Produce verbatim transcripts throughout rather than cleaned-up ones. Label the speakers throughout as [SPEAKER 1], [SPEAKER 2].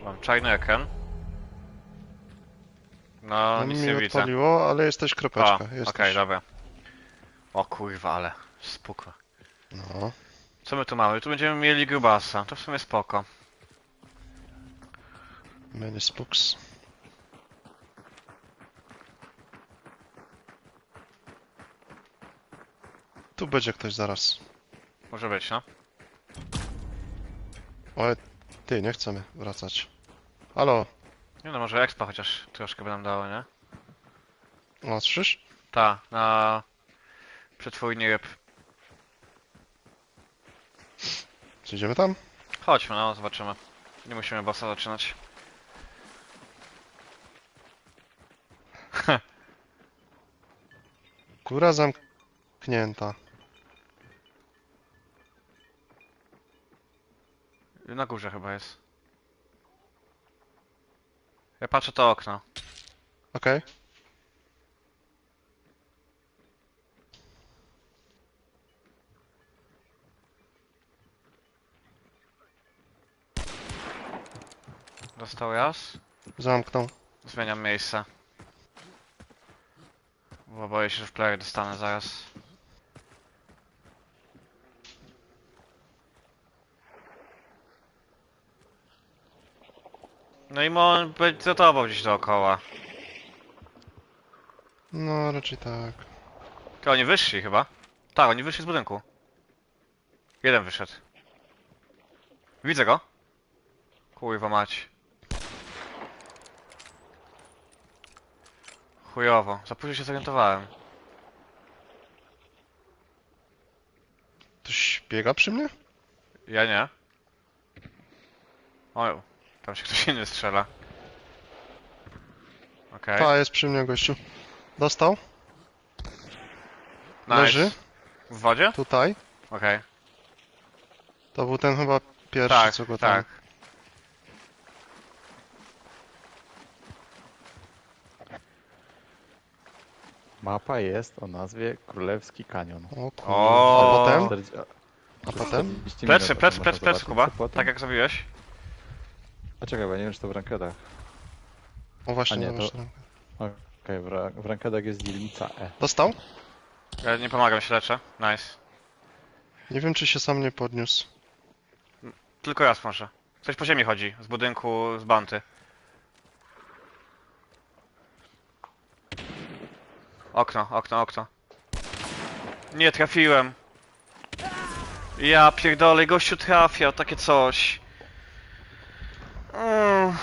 [SPEAKER 1] Mam czarny ekran. No,
[SPEAKER 2] No
[SPEAKER 1] nic
[SPEAKER 2] mi
[SPEAKER 1] nie widzę.
[SPEAKER 2] odpaliło, ale jest też
[SPEAKER 1] O,
[SPEAKER 2] kropeczka.
[SPEAKER 1] okej,
[SPEAKER 2] Jesteś.
[SPEAKER 1] dobra. O kurwa, ale spoko.
[SPEAKER 2] No.
[SPEAKER 1] Co my tu mamy? Tu będziemy mieli grubasa. To w sumie spoko.
[SPEAKER 2] Many spooks. Tu będzie ktoś zaraz.
[SPEAKER 1] Może być, no.
[SPEAKER 2] Ale ty, nie chcemy wracać. Halo,
[SPEAKER 1] Nie no, może expa chociaż troszkę by nam dało, nie?
[SPEAKER 2] ostrzysz?
[SPEAKER 1] Ta, na przetwórni ryb.
[SPEAKER 2] Czy idziemy tam?
[SPEAKER 1] Chodźmy, no, zobaczymy. Nie musimy bossa zaczynać.
[SPEAKER 2] Góra zamknięta.
[SPEAKER 1] Na górze chyba jest. Ja patrzę to okno.
[SPEAKER 2] Okej.
[SPEAKER 1] Dostał raz.
[SPEAKER 2] Zamknął.
[SPEAKER 1] Zmieniam miejsce. Bo boję się, że w player dostanę zaraz. No i on będzie za tobą gdzieś dookoła.
[SPEAKER 2] No, raczej tak.
[SPEAKER 1] To oni wyszli chyba? Tak, oni wyszli z budynku. Jeden wyszedł. Widzę go. Kurwa mać. Chujowo. Za późno się zorientowałem.
[SPEAKER 2] Ktoś biega przy mnie?
[SPEAKER 1] Ja nie. O, tam się ktoś inny strzela. Okej.
[SPEAKER 2] Ta, jest przy mnie, gościu. Dostał?
[SPEAKER 1] Nice.
[SPEAKER 2] Leży?
[SPEAKER 1] W wodzie?
[SPEAKER 2] Tutaj.
[SPEAKER 1] Okej.
[SPEAKER 2] To był ten chyba pierwszy,
[SPEAKER 1] Tak,
[SPEAKER 2] co go tam...
[SPEAKER 1] tak.
[SPEAKER 3] Mapa jest o nazwie Królewski Kanion.
[SPEAKER 2] O kurwa.
[SPEAKER 1] O.
[SPEAKER 2] A potem?
[SPEAKER 3] czterdzieści
[SPEAKER 2] A potem?
[SPEAKER 1] Plecy, plecy, plecy, plecy,
[SPEAKER 3] zobaczyć,
[SPEAKER 1] Kuba.
[SPEAKER 3] co potem.
[SPEAKER 1] Tak jak zrobiłeś.
[SPEAKER 3] A czekaj, bo ja nie wiem, czy to w rankedach.
[SPEAKER 2] O właśnie,
[SPEAKER 3] A nie,
[SPEAKER 2] no
[SPEAKER 3] to-
[SPEAKER 2] właśnie.
[SPEAKER 3] Okej, w, ra w rankedach jest dzielnica E.
[SPEAKER 2] Dostał?
[SPEAKER 1] Ja nie pomagam, się leczę. Nice.
[SPEAKER 2] Nie wiem, czy się sam nie podniósł.
[SPEAKER 1] Tylko raz może. Ktoś po ziemi chodzi. Z budynku, z banty. Okno, okno, okno. Nie trafiłem. Ja pierdolę, gościu trafia, takie coś. Mm.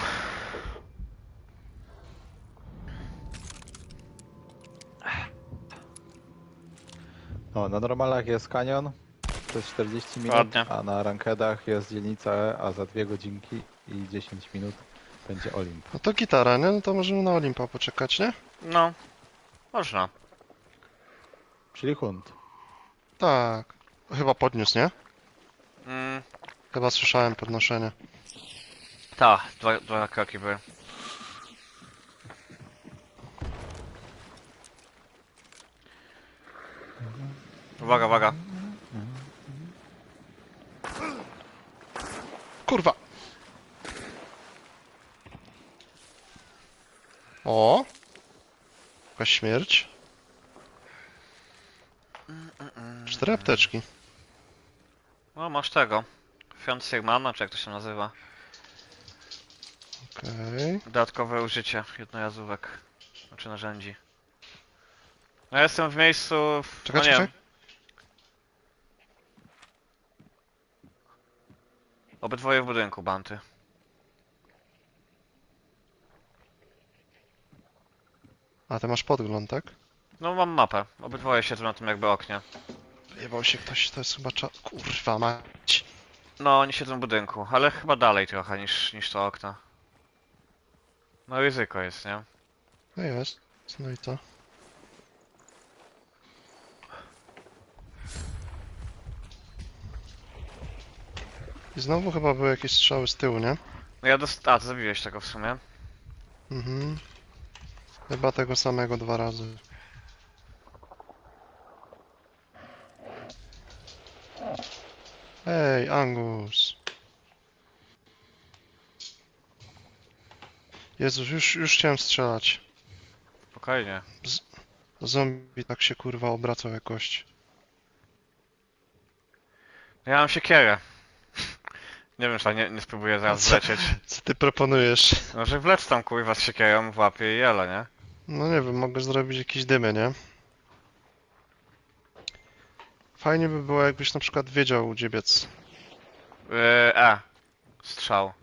[SPEAKER 3] No, na normalach jest kanion, to jest czterdzieści minut,
[SPEAKER 1] Ładnie.
[SPEAKER 3] a na rankedach jest dzielnica E, a za dwie godzinki i dziesięć minut będzie Olimp.
[SPEAKER 2] No to gitara, nie? No to możemy na Olimpa poczekać, nie?
[SPEAKER 1] No. Można.
[SPEAKER 3] Czyli hunt.
[SPEAKER 2] Tak. Chyba podniósł, nie?
[SPEAKER 1] Mm.
[SPEAKER 2] Chyba słyszałem podnoszenie.
[SPEAKER 1] Ta, dwa, dwa kroki były. Uwaga, uwaga.
[SPEAKER 2] Kurwa! O! Jakaś śmierć. Cztery apteczki.
[SPEAKER 1] O, masz tego. Fiant Sirmana, czy jak to się nazywa.
[SPEAKER 2] Okej.
[SPEAKER 1] Dodatkowe użycie jednorazówek. Znaczy narzędzi. No ja jestem w miejscu... W...
[SPEAKER 2] Czekaj,
[SPEAKER 1] no nie
[SPEAKER 2] czekaj.
[SPEAKER 1] wiem. Obydwoje w budynku, banty.
[SPEAKER 2] A, ty masz podgląd, tak?
[SPEAKER 1] No mam mapę. Obydwoje siedzą na tym jakby oknie.
[SPEAKER 2] Jebał się ktoś, to jest chyba cza... Kurwa mać.
[SPEAKER 1] No, oni siedzą w budynku, ale chyba dalej trochę niż, niż to okno. No ryzyko jest, nie?
[SPEAKER 2] No jest. No i to. I znowu chyba były jakieś strzały z tyłu, nie?
[SPEAKER 1] No ja dost... A, ty zabiłeś tego w sumie.
[SPEAKER 2] Mhm. Chyba tego samego dwa razy. Ej, Angus. Jezus, już, już chciałem strzelać.
[SPEAKER 1] Spokojnie.
[SPEAKER 2] Zombie tak się kurwa obracał jak kość.
[SPEAKER 1] Ja mam siekierę. Nie wiem, czy ja nie, nie spróbuję zaraz
[SPEAKER 2] Co?
[SPEAKER 1] wlecieć.
[SPEAKER 2] Co ty proponujesz?
[SPEAKER 1] No, że wlec tam kurwa z siekierą w łapie i jelo, nie?
[SPEAKER 2] No nie wiem, mogę zrobić jakieś dymy, nie? Fajnie by było, jakbyś na przykład wiedział, gdzie biec.
[SPEAKER 1] Yy, e. Strzał.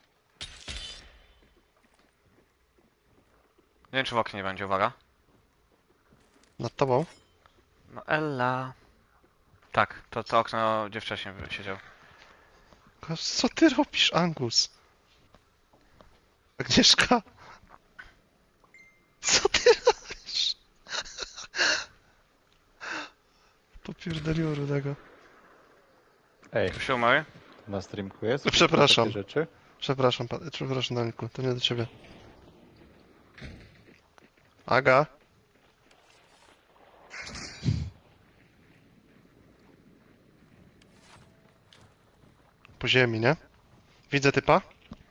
[SPEAKER 1] Nie wiem, czy w oknie nie będzie, uwaga.
[SPEAKER 2] Nad tobą?
[SPEAKER 1] No Ella. Tak, to, to okno gdzie wcześniej siedział.
[SPEAKER 2] Ko- Co ty robisz, Angus? Agnieszka? Co ty robisz? Popierdoliło rudego.
[SPEAKER 3] Ej,
[SPEAKER 1] Tu się umarł?
[SPEAKER 3] na streamku jest?
[SPEAKER 2] No, przepraszam.
[SPEAKER 3] Takie rzeczy?
[SPEAKER 2] Przepraszam, pa- przepraszam, Daniku, to nie do ciebie. Aga? Po ziemi, nie? Widzę typa?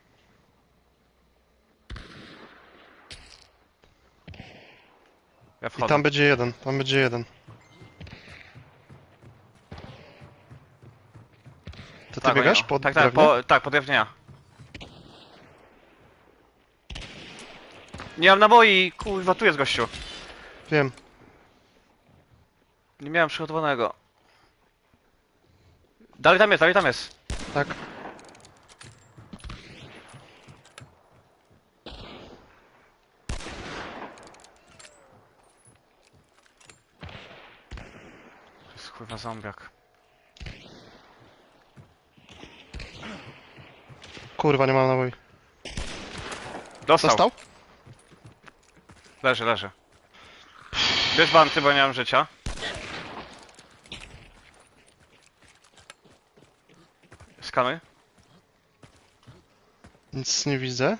[SPEAKER 1] Ja
[SPEAKER 2] I
[SPEAKER 1] wchodzę.
[SPEAKER 2] tam będzie jeden, tam będzie jeden. To ty
[SPEAKER 1] Tak,
[SPEAKER 2] biegasz
[SPEAKER 1] oni-
[SPEAKER 2] pod
[SPEAKER 1] Tak, tak,
[SPEAKER 2] drewnem?
[SPEAKER 1] po, tak, po drewnienia. Nie mam naboi, kurwa, tu jest gościu.
[SPEAKER 2] Wiem.
[SPEAKER 1] Nie miałem przygotowanego. Dalej tam jest, dalej tam jest.
[SPEAKER 2] Tak.
[SPEAKER 1] To jest kurwa zombiak.
[SPEAKER 2] Kurwa, nie mam naboi.
[SPEAKER 1] Dostał.
[SPEAKER 2] Dostał?
[SPEAKER 1] Leży, leży. Bierz banty, bo nie mam życia. Skanuj.
[SPEAKER 2] Nic nie widzę.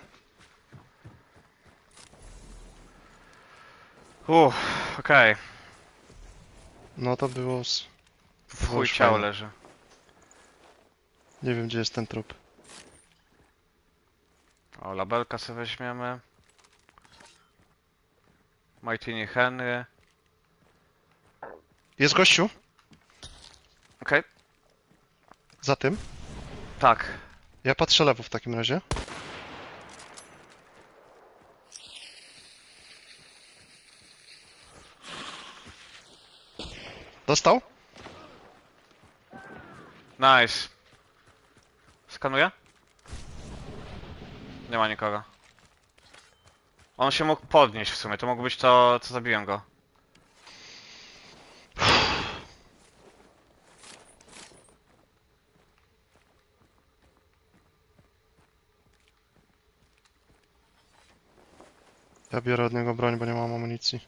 [SPEAKER 1] Uff, okej.
[SPEAKER 2] No to było z...
[SPEAKER 1] W chuj
[SPEAKER 2] już
[SPEAKER 1] ciało
[SPEAKER 2] fajnie.
[SPEAKER 1] leży.
[SPEAKER 2] Nie wiem, gdzie jest ten trup.
[SPEAKER 1] O, labelka sobie weźmiemy. Martini Henry.
[SPEAKER 2] Jest gościu?
[SPEAKER 1] Okej.
[SPEAKER 2] Za tym?
[SPEAKER 1] Tak.
[SPEAKER 2] Ja patrzę lewo w takim razie. Dostał?
[SPEAKER 1] Nice. Skanuję? Nie ma nikogo. On się mógł podnieść w sumie, to mógł być to, co zabiłem go.
[SPEAKER 2] Ja biorę od niego broń, bo nie mam amunicji.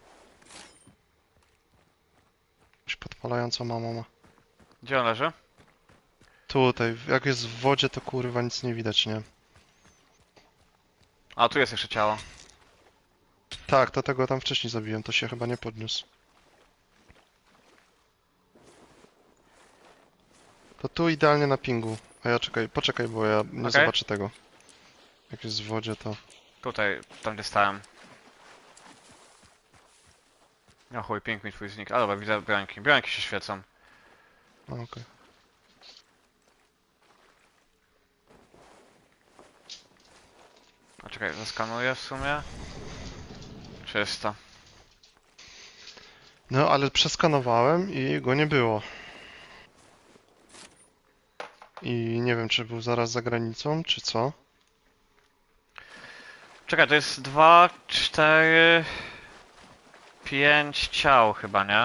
[SPEAKER 2] Jakąś podpalającą mamą ma.
[SPEAKER 1] Gdzie on leży?
[SPEAKER 2] Tutaj, jak jest w wodzie, to kurwa nic nie widać, nie?
[SPEAKER 1] A, tu jest jeszcze ciało.
[SPEAKER 2] Tak, to tego tam wcześniej zabiłem, to się chyba nie podniósł. To tu idealnie na pingu. A ja czekaj, poczekaj, bo ja nie
[SPEAKER 1] Okej.
[SPEAKER 2] zobaczę tego. Jak jest w wodzie, to...
[SPEAKER 1] Tutaj, tam gdzie stałem. No chuj, ping mi twój znik. A dobra, widzę brońki. Brońki się świecą.
[SPEAKER 2] A, okej.
[SPEAKER 1] A czekaj, zaskanuję w sumie. Czysto.
[SPEAKER 2] No, ale przeskanowałem i go nie było. I nie wiem, czy był zaraz za granicą, czy co.
[SPEAKER 1] Czekaj, to jest dwa, cztery, pięć ciał chyba, nie?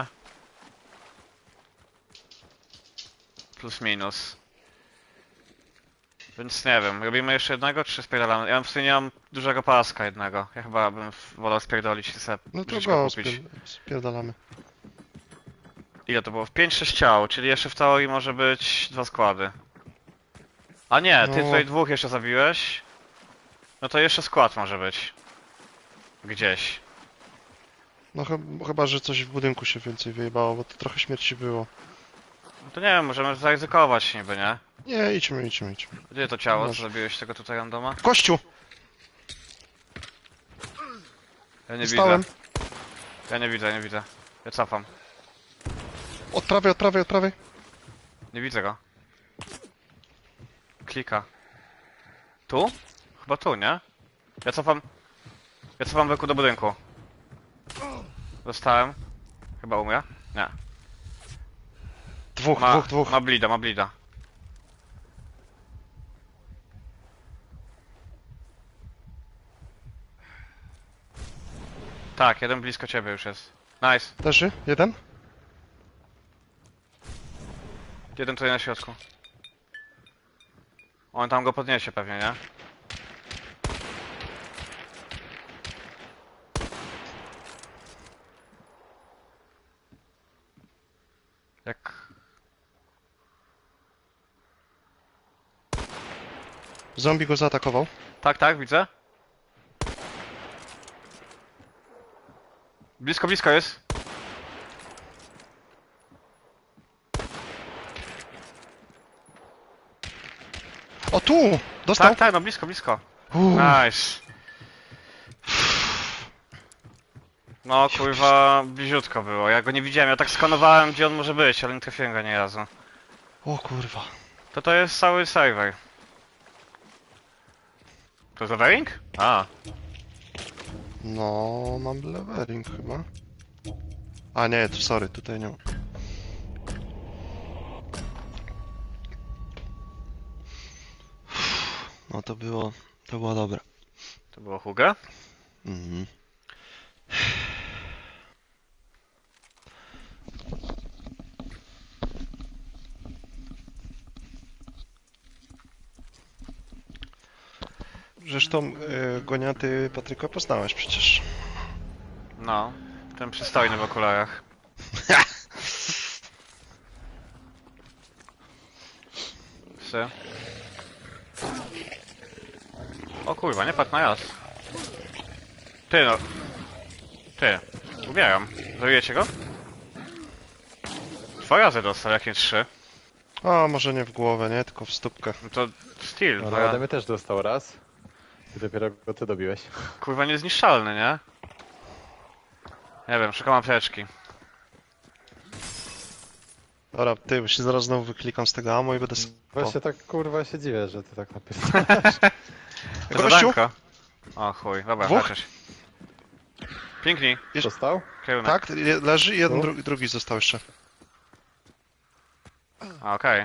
[SPEAKER 1] Plus minus. Więc nie wiem, robimy jeszcze jednego, czy spierdalamy? Ja w sumie nie mam dużego paska jednego. Ja chyba bym wolał spierdolić i sobie
[SPEAKER 2] No to
[SPEAKER 1] brzuszka
[SPEAKER 2] go
[SPEAKER 1] kupić.
[SPEAKER 2] spier spierdalamy.
[SPEAKER 1] Ile to było? pięć sześć ciał, czyli jeszcze w teorii może być dwa składy. A nie, ty
[SPEAKER 2] No.
[SPEAKER 1] tutaj dwóch jeszcze zabiłeś. No to jeszcze skład może być. Gdzieś.
[SPEAKER 2] No chyba, chyba, że coś w budynku się więcej wyjebało, bo to trochę śmierci było.
[SPEAKER 1] No to nie wiem, możemy zaryzykować niby, nie?
[SPEAKER 2] Nie, idźmy, idźmy, idźmy.
[SPEAKER 1] Gdzie to ciało, co
[SPEAKER 2] Może.
[SPEAKER 1] zabiłeś tego tutaj randoma?
[SPEAKER 2] Kościół!
[SPEAKER 1] Ja nie
[SPEAKER 2] Dostałem.
[SPEAKER 1] widzę. Ja nie widzę, nie widzę. Ja cofam.
[SPEAKER 2] Od prawej, od prawej, od prawej.
[SPEAKER 1] Nie widzę go. Klika. Tu? Chyba tu, nie? Ja cofam... Ja cofam wokół do budynku. Dostałem. Chyba umrę? Nie.
[SPEAKER 2] Dwóch,
[SPEAKER 1] Ma,
[SPEAKER 2] dwóch, dwóch.
[SPEAKER 1] ma blida, ma blida. Tak, jeden blisko ciebie już jest. Nice.
[SPEAKER 2] Leży, jeden.
[SPEAKER 1] Jeden tutaj na środku. On tam go podniesie pewnie, nie? Jak...
[SPEAKER 2] Zombie go zaatakował.
[SPEAKER 1] Tak, tak, widzę. Blisko, blisko jest.
[SPEAKER 2] O, tu! Dostał!
[SPEAKER 1] Tak, tak, no blisko, blisko.
[SPEAKER 2] Uuu,
[SPEAKER 1] Nice. No kurwa, bliziutko było. Ja go nie widziałem, ja tak skanowałem gdzie on może być, ale nie trafiłem go nie razu.
[SPEAKER 2] o kurwa.
[SPEAKER 1] To to jest cały serwer. To jest levering? A,
[SPEAKER 2] No, mam levering chyba. A nie, to sorry, tutaj nie. No to było, to było dobre.
[SPEAKER 1] to było Huga?
[SPEAKER 2] Mhm. Zresztą y, Goniaty Patryka poznałeś przecież.
[SPEAKER 1] No, ten przystojny w okularach. Psy. O kurwa, nie patrz na jas. Ty no. Ty. Umieram. Zabijecie go? Dwa razy dostał, jak nie trzy.
[SPEAKER 2] A może nie w głowę, nie? Tylko w stópkę.
[SPEAKER 1] No to styl.
[SPEAKER 3] No,
[SPEAKER 1] No,
[SPEAKER 3] no
[SPEAKER 1] ja...
[SPEAKER 3] ode mnie też dostał raz. I dopiero go ty dobiłeś.
[SPEAKER 1] Kurwa niezniszczalny, nie? Nie wiem, szukam apteczki.
[SPEAKER 2] Dobra, ty, bo się zaraz znowu wyklikam z tego ammo i będę... s-
[SPEAKER 3] Właśnie tak kurwa się dziwię, że ty tak napisałeś.
[SPEAKER 1] To
[SPEAKER 2] Gościu!
[SPEAKER 1] zadanko. O chuj, dobra,
[SPEAKER 2] Dwóch?
[SPEAKER 1] chociaż. Piękni.
[SPEAKER 3] Dostał?
[SPEAKER 1] Kierunek.
[SPEAKER 2] Tak, je- leży i jeden,
[SPEAKER 3] Tu?
[SPEAKER 2] drugi, drugi został jeszcze.
[SPEAKER 1] A, okej.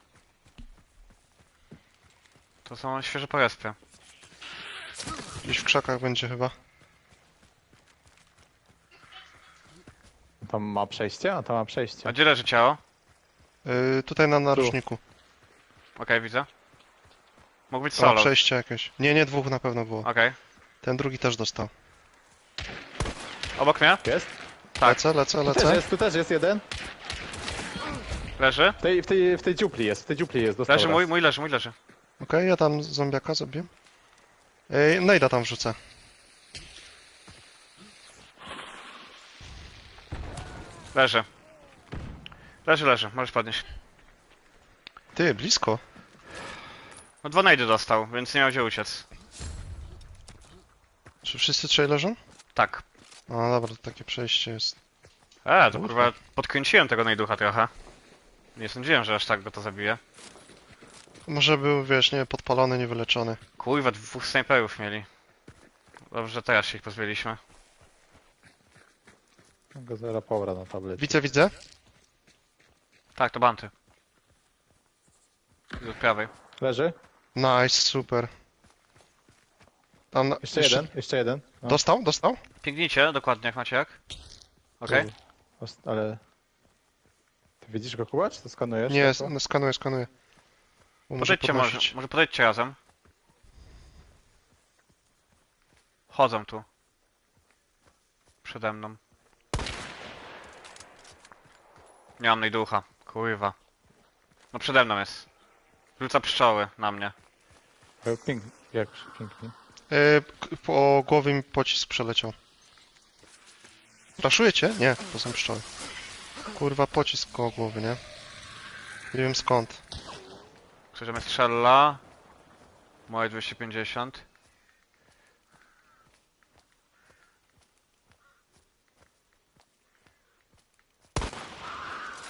[SPEAKER 1] To są świeże porespy.
[SPEAKER 2] Gdzieś w krzakach będzie chyba.
[SPEAKER 3] Tam ma przejście? A tam ma przejście.
[SPEAKER 1] A gdzie leży ciało?
[SPEAKER 2] Yy, tutaj na narożniku.
[SPEAKER 1] Okej, widzę. Mógł być
[SPEAKER 2] O,
[SPEAKER 1] solo. Okej.
[SPEAKER 2] przejście jakieś. Nie, nie, dwóch na pewno było. Ten drugi też dostał.
[SPEAKER 1] Obok mnie?
[SPEAKER 3] Jest?
[SPEAKER 1] Tak.
[SPEAKER 2] Lecę, lecę,
[SPEAKER 3] Tu też
[SPEAKER 2] lecę.
[SPEAKER 3] jest, tu też jest jeden.
[SPEAKER 1] Leży?
[SPEAKER 3] W tej, w tej, w tej dziupli jest, w tej dziupli jest. Dostał
[SPEAKER 1] Leży
[SPEAKER 3] raz.
[SPEAKER 1] mój, mój leży, mój leży.
[SPEAKER 2] Okej, ja tam zombiaka zabiję. Yy, Nejda tam wrzucę.
[SPEAKER 1] Leży. Leży, leży, możesz podnieść.
[SPEAKER 2] Ty, blisko.
[SPEAKER 1] No dwa najdy dostał, więc nie miał gdzie uciec.
[SPEAKER 2] Czy wszyscy trzej leżą?
[SPEAKER 1] Tak.
[SPEAKER 2] No dobra, to takie przejście jest.
[SPEAKER 1] E, to kurwa podkręciłem tego najducha trochę. Nie sądziłem, że aż tak go to zabije.
[SPEAKER 2] Może był, wiesz, nie, podpalony, niewyleczony.
[SPEAKER 1] Kurwa, dwóch snajperów mieli. Dobrze, że teraz się ich pozbyliśmy.
[SPEAKER 3] Go zero powra na tablecie.
[SPEAKER 2] Widzę, widzę.
[SPEAKER 1] Tak, to banty. Z prawej.
[SPEAKER 3] Leży?
[SPEAKER 2] Nice, super. Tam na...
[SPEAKER 3] Jeszcze jeden, jeszcze jeden. No.
[SPEAKER 2] Dostał, dostał?
[SPEAKER 1] Pięknijcie, dokładnie jak macie jak. Okej.
[SPEAKER 3] Tu. Os- Ale... Ty widzisz go Kuba, czy to skanujesz?
[SPEAKER 2] Nie,
[SPEAKER 3] Tak,
[SPEAKER 2] no, skanuję, skanuję. Bo może
[SPEAKER 1] Podejdźcie może,
[SPEAKER 2] podnosić.
[SPEAKER 1] może podejdźcie razem. Chodzą tu. Przede mną. Nie mam najducha. Kurwa. No przede mną jest. Rzuca pszczoły na mnie.
[SPEAKER 3] Ale Pięk, jak pięknie.
[SPEAKER 2] Yy, k- po głowie mi pocisk przeleciał. Raszujecie? Nie, to są pszczoły. Kurwa, pocisk koło głowy, nie? Nie wiem skąd.
[SPEAKER 1] Ktoś mnie strzela. Moje dwieście pięćdziesiąt.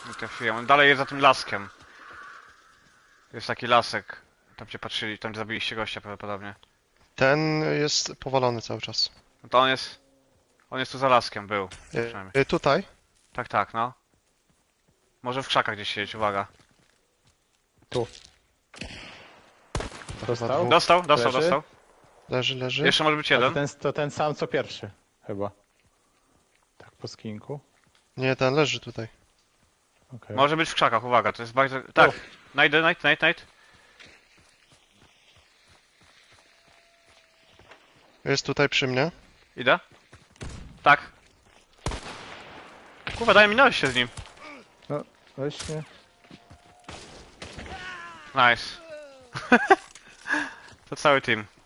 [SPEAKER 1] Nie trafiłem. On dalej jest za tym laskiem. Jest taki lasek. Tam gdzie patrzyli, tam gdzie zabiliście gościa prawdopodobnie.
[SPEAKER 2] Ten jest powalony cały czas.
[SPEAKER 1] No to on jest... On jest tu za laskiem, był.
[SPEAKER 2] Y,
[SPEAKER 1] Przynajmniej.
[SPEAKER 2] y, tutaj.
[SPEAKER 1] Tak, tak, no. Może w krzakach gdzieś siedzieć, uwaga.
[SPEAKER 3] Tu.
[SPEAKER 2] Chyba
[SPEAKER 3] Dostał?
[SPEAKER 2] dwóch.
[SPEAKER 1] Dostał, dostał,
[SPEAKER 3] Leży?
[SPEAKER 1] dostał.
[SPEAKER 2] Leży, leży.
[SPEAKER 1] Jeszcze może być
[SPEAKER 3] A to
[SPEAKER 1] jeden.
[SPEAKER 3] ten, to ten sam co pierwszy, chyba. Tak po skinku.
[SPEAKER 2] Nie, ten leży tutaj.
[SPEAKER 3] Okej.
[SPEAKER 1] Może być w krzakach, uwaga, to jest bardzo... Tak, najdę, najd, najd, najd.
[SPEAKER 2] Jest tutaj przy mnie.
[SPEAKER 1] Idę. Tak. Kurwa, daj minąłeś się z nim.
[SPEAKER 3] No, właśnie.
[SPEAKER 1] Nice. To cały team.